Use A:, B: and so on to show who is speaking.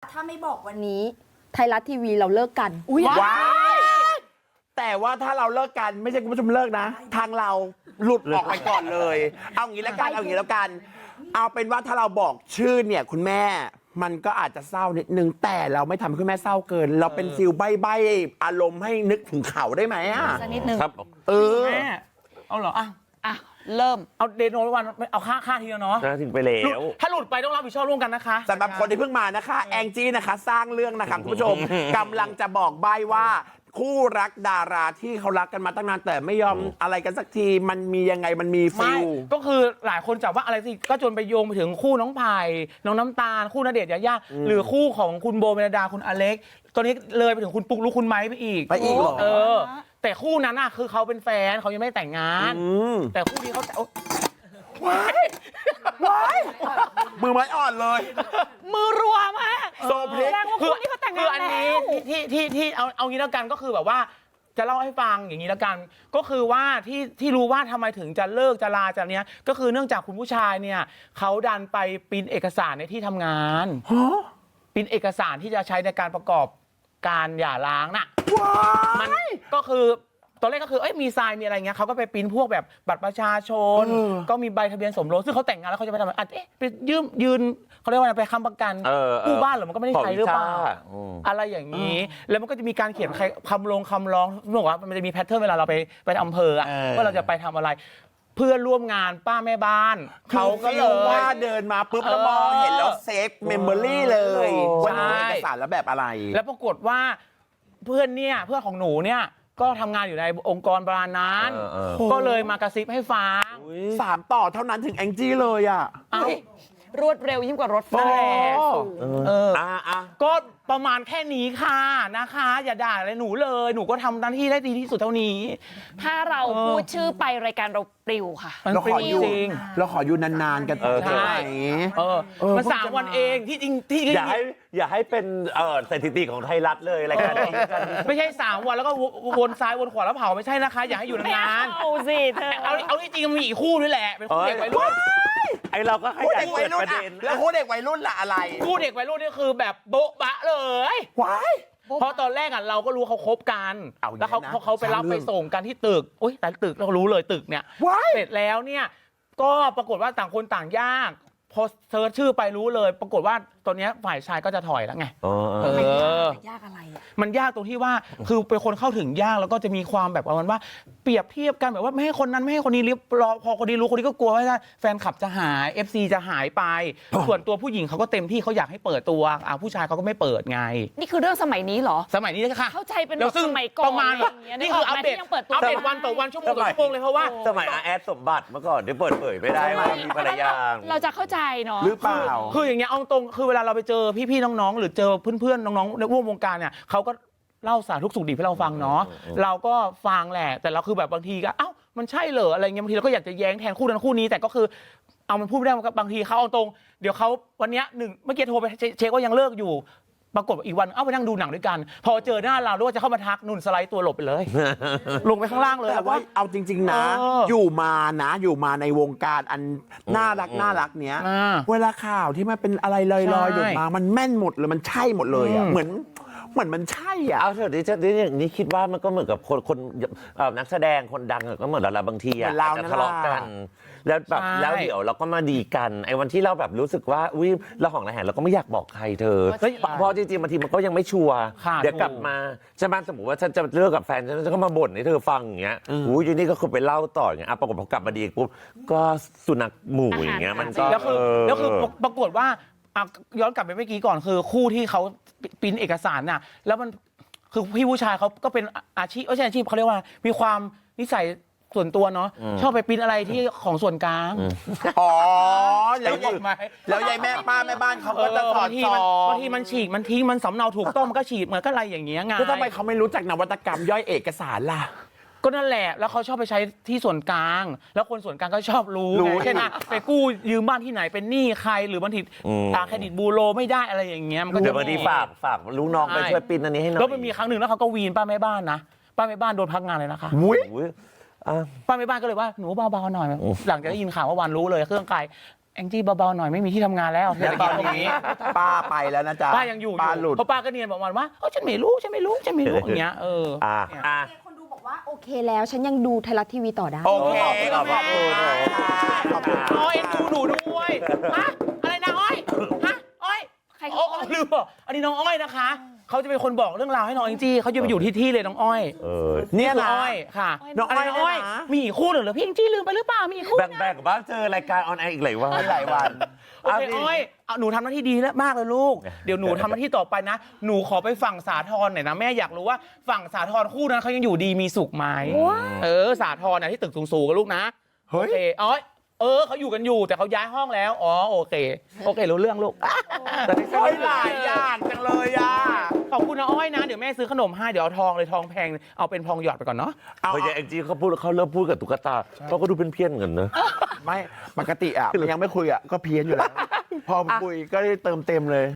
A: ถ้าไม่บอกวันนี้ไทยรัฐทีวีเราเลิกกัน
B: ว้ายแต่ว่าถ้าเราเลิกกันไม่ใช่คุณผู้ชมเลิกนะ ทางเราหลุดออกไปก่อนเลย เอางี้แล้วกันเอางี้แล้วกัน เอาเป็นว่าถ้าเราบอกชื่อเนี่ยคุณแม่มันก็อาจจะเศร้านิดนึงแต่เราไม่ทำให้คุณแม่เศร้าเกิน เราเป็นฟิลใบ้ๆอารมณ์ให้นึกถึงเขาได้ไหมอ่ะ
A: สักนิดนึง
C: ครับ
D: แม่เอาเหรอ
A: อ่ะเริ่ม
D: เอาเดโนวันเอาค่าทีแล้วเนาะ
C: ถึงไปแล้ว
D: ถ้าหลุดไปต้องรับผิดชอบร่วมกันนะคะ
B: สำหรับคนที่เพิ่งมานะคะ แองจี้นะคะ สร้างเรื่องนะคะคุณผู้ชมกำลังจะบอกใบ้ว่าคู่รักดาราที่เขารักกันมาตั้งนานแต่ไม่ยอมอะไรกันสักทีมันมียังไงมันมีฟิ
D: ไม่
B: ล
D: ก็คือหลายคนจับว่าอะไรสิก็จนไปโยงไปถึงคู่น้องไผ่น้องน้ำตาลคู่ณเดชน์ยายาหรือคู่ของคุณโบเมลดาคุณอเล็กตอนนี้เลยไปถึงคุณปุ๊กลุกคุณไม้ไปอีก
B: ไปอีกเหรอ
D: แต่คู่นั้นน่ะคือเขาเป็นแฟนเขายังไม่ได้แต่งงาน แต่คู่นี้เขาแต่ว้าย
B: มือไม้อ่อนเลย
A: มือรัวมาก
B: โซเพลก
A: แสดงว่าคู่นี้เขาแต่งงาน
D: คืออันนี้
A: แล้ว
D: ที่เอางี้แล้วกันก็คือแบบว่าจะเล่าให้ฟังอย่างนี้แล้วกัน ก็คือว่าที่รู้ว่าทำไมถึงจะเลิกจะลาจากเนี้ยก็คือเนื่องจากคุณผู้ชายเนี่ยเขาดันไปปริ้นเอกสารในที่ทำงานปริ้นเอกสารที่จะใช้ในการประกอบการหย่าร้างน่ะมันก็คือตอนแรกก็คือมีทรายมีอะไรเงี้ยเขาก็ไปปริ้นพวกแบบบัตรประชาชน ก็มีใบทะเบียนสมรสซึ่งเขาแต่งงานแล้วเขาจะไปทำอะไรไปยืนเขาเรียกว่าอะไรไปค้ำประกันกู้บ้านเหรอมันก็ไม่ได้ใช้หรือเปล่าอะไรอย่างนี้ แล้วมันก็จะมีการเขียนคำร้องบอกว่ามันจะมีแพทเทิร์นเวลาเราไปอำเภอว่าเราจะไปทำอะไร เพื่อนร่วมงานป้าแม่บ้านเขาก็เลย
B: ว่าเดินมาปุ๊บแล้วมองเห็นแล้วเซฟเมมโมรี่เลยว่าหนูเอกสารแล้วแบบอะไร
D: แล้วปรากฏว่าเพื่อนของหนูเนี่ยก็ทำงานอยู่ในองค์กรประมาณนั้นก็เลยมากระซิบให้ฟัง
B: 3 ต่อเท่านั้นถึงแองจี้เลยอ่ะ
A: รวดเร็วยิ่งกว่ารถไฟ
D: ก็ประมาณแค่นี้ค่ะนะคะ อย่าด่าอะไรหนูเลยหนูก็ทำหน้าที่ได้ดีที่สุดเท่านี้
A: ถ้าเราพูดชื่อไปรายการเราปลิวค่ะ
D: มัน
B: เรา
D: ปลิ
B: ข
D: ว
B: ออยู่
D: จริง
B: เราขออยู่นานๆกันต่อได้ไหม
D: มัน3 วันเองที่จริงที่
C: อย่าให้เป็นสถิติของไทยรัฐเลยรายการนี้
D: ไม่ใช่3 วันแล้วก็วนซ้ายวนขวาแล้วเผาไม่ใช่นะคะ อย่าให้อยู่นาน
A: เอาสิเธอ
D: เอาที่จริงมันมีอีกคู่ด้วยแหละเป็นคู่เด็กวัยรุ่น
C: ไอเราก็ข
B: คู่
C: ยาย
B: เด็กวัยรุ่น
C: ประ
B: อ่ะ
C: เด็น
B: แล้วคู่เด็กวัยรุ่นล่ะอะไร
D: คู่เด็กวัยรุ่นนี่คือแบบโบ๊ะบะเลย
B: ว้าย
D: เพราะตอนแรกเราก็รู้เขาคบกัน
B: เอาอย่างนั้น
D: แล้วเขาไปรับ
B: สร้างเรื่อง
D: ไปส่งกันที่ตึกอุ้ยแต่ตึกเรารู้เลยตึกเนี่ย
B: ว้าย
D: เสร็จแล้วเนี่ยก็ปรากฏว่าต่างคนต่างยากพอเซิร์ชชื่อไปรู้เลย ปรากฏว่าตอนนี้ฝ่ายชายก็จะถอยแล้วไง
A: ยากอะไรอ่ะ
D: มันยากตรงที่ว่าคือเป็นคนเข้าถึงยากแล้วก็จะมีความแบบประมาณว่าเปรียบเทียบกันแบบว่าไม่ให้คนนั้นไม่ให้คนนี้รอพอคนนี้รู้คนนี้ก็กลัวว่าแฟนคลับจะหาย FC จะหายไป ส่วนตัวผู้หญิงเขาก็เต็มที่เขาอยากให้เปิดตัวผู้ชายเขาก็ไม่เปิดไง
A: นี่คือเรื่องสมัยนี้เหรอ
D: สมัยนี้นะคะ
A: เข้าใจเป็น
D: แล้วซึ่ง
A: สมัยก่อน
D: ประมาณ
A: อะไรอย่างเงี้ย
D: นี่คืออัปเดต
A: ยังเปิดตัว
D: อัปเดตวันต่อวันชั่วโมงต่อชั่วโมงเลยเพราะว่า
C: สมัยอาแอดสมบัติเมื่อก่อนได้เปิดเผยไม่ได้ว่ามีภรรยา
A: เราจะเข้าใจเนาะ
B: หรือเปล่า
D: คืออย่างเงี้ยเอาตรงคือเวลาเราไปเจอพี่ๆน้องๆหรือเจอเพื่อนๆน้องๆในร่วมวงการเนี่ยเขาก็เล่าสารทุกข์สุขดิบให้เราฟังเนาะเราก็ฟังแหละแต่เราคือแบบบางทีก็มันใช่เหรออะไรเงี้ยบางทีเราก็อยากจะแย้งแทนคู่นั้นคู่นี้แต่ก็คือเอามันพูดไม่ได้บางทีเขาเอาตรงเดี๋ยวเขาวันเนี้ยเมื่อกี้โทรไปเช็คว่ายังเลิกอยู่ปรากฏอีกวันไปนั่งดูหนังด้วยกันพอเจอหน้าเราด้วยจะเข้ามาทักนุ่นสไลด์ตัวหลบไปเลย ลงไปข้างล่างเลย
B: แต่ว่าเอาจริง ๆ นะ อยู่มาในวงการอันน่ารักเนี้ย เวลาข่าวที่มันเป็นอะไรลอยๆอยู่มามันแม่นหมดเลยมันใช่หมดเลยอ่ะเหมือนมันใช่อ่ะ
C: เอาเถอะดิอย่างนี้คิดว่ามันก็เหมือนกับคนนักแสดงคนดังก็เหมือนเราบางทีอ่ะจะทะเลาะกันแล้วแบบแล้วเดี๋ยวเราก็มาดีกันไอ้วันที่เราแบบรู้สึกว่าอุ้ยเราของระแหงเราก็ไม่อยากบอกใครเธอเพราะจริงๆบางทีมันก็ยังไม่ชัวร์เดี๋ยวกลับมาใช่ไหมสมมติว่าฉันจะเลิกกับแฟนฉันก็มาบ่นให้เธอฟังอย่างเงี้ยอุ้ยทีนี้ก็คือไปเล่าต่ออย่างเงี้ยปรากฏพอกลับมาดีปุ๊บก็สุนัขหมู่อย่างเงี้ยมันก็
D: แล้วคือปรากฏว่าย้อนกลับไปเมื่อกี้ก่อนคือคู่ที่เขาปริ้นเอกสารน่ะแล้วมันคือพี่ผู้ชายเขาก็เป็นอาชีพไม่ใช่อาชีพเขาเรียกว่ามีความนิสัยส่วนตัวเนาะชอบไปปริ้นอะไรที่ของส่วนกลาง
B: อ๋อแล้วยายแม่ป้าแม่บ้านเขาก็จะสอดส่อง
D: บางทีมันฉีกมันทิ้งมันสำเนาถูกต้องมันก็ฉีกเหมือนก็อะไรอย่างเงี้ยไง
B: แล้วทำไมเขาไม่รู้จักนวัตกรรมย่อยเอกสารล่ะ
D: ก็นั่นแหละแล้วเขาชอบไปใช้ที่ส่วนกลางแล้วคนส่วนกลางก็ชอบรู้เช่นไปกู้ยืมบ้านที่ไหนเป็นหนี้ใครหรือบางทีเครดิตบูโรไม่ได้อะไรอย่างเงี้ยมันก็
C: เดี๋ยวบางทีฝากลูกน้องไปช่วยปิ้นอันนี้ให้หน่อย
D: แล้วมันมีครั้งหนึ่งแล้วเขาก็วีนป้าแม่บ้านนะป้าแม่บ้านโดนพักงานเลยนะคะ ป้าแม่บ้านก็เลยว่าหนูเบาๆหน่อยหลังจากได้ยินข่าวว่าวันรู้เลยเครื่องไกลแองจี้เบาๆหน่อยไม่มีที่ทำงานแล้ว
B: แล้วตอนนี้ป้าไปแล้วนะจ๊ะ
D: ป้ายังอยู่
B: ป้าหลุด
D: เพราะป้าก็เนียนบอกมันว่าฉันไม่รู้อย่างเงี้ยเนี่ย
E: คนดูบอกว่าโอเคแล้วฉันยังดูไทยรัฐทีวีต่อได้
B: โอเค
D: ขอบคุณ
B: ขอบคุณ
D: อ๋อเอ็นดูหนูด้วยฮะอะไรนะอ้อยฮะอ้อย
A: ใคร
D: โอ้ลืมบอกอันนี้น้องอ้อยนะคะเขาจะเป็นคนบอกเรื่องราวให้น้องแองจี้เขาจะไปอยู่ที่เลยน้องอ้อย
B: เนี่ย
D: คือ
B: นะ
D: อ้อยค่ะ
B: น้องอ้อย
D: ะไร
B: เนี่ยนะ
D: มีอีกคู่หนึ่งเหรอพี่แองจี้ลืมไปหรือเปล่ามีอีกคู่
C: แบ่งๆบ้างเจอรายการออนแอร์อีกหลายวัน
B: หลายวัน
D: โอเคอ้อยเอาหนูทำหน้าที่ดีแล้วมากเลยลูก เดี๋ยวหนูทำหน้าที่ต่อไปนะ หนูขอไปฝั่งสาทรหน่อยนะแม่อยากรู้ว่าฝั่งสาทรคู่นั้นเขายังอยู่ดีมีสุขไหมสาทรนะที่ตึกสูงๆกันลูกนะ
B: เฮ้ย
D: โอเคเขาอยู่กันอยู่แต่เขาย้ายห้องแล้วโอเครู้เรื่องลูก
B: โอ้ยหลายอย่างจังเลยอ่ะ
D: ขอบคุณนะอ้อยนะเดี๋ยวแม่ซื้อขนมให้เดี๋ยวเอาทองเลยทองแพงเอาเป็นทองหยอดไปก่อนเนาะ
B: เอา
C: พอแองจี้เขาเริ่มพูดกับตุ๊กตาเขาก็ดูเป็นเพี้ยนกันเนอะ
B: ไม่ปกติอ่ะมันยังไม่คุยอ่ะก็เพี้ยนอยู่แล้ว พอคุยก็ได้เติมเต็มเลย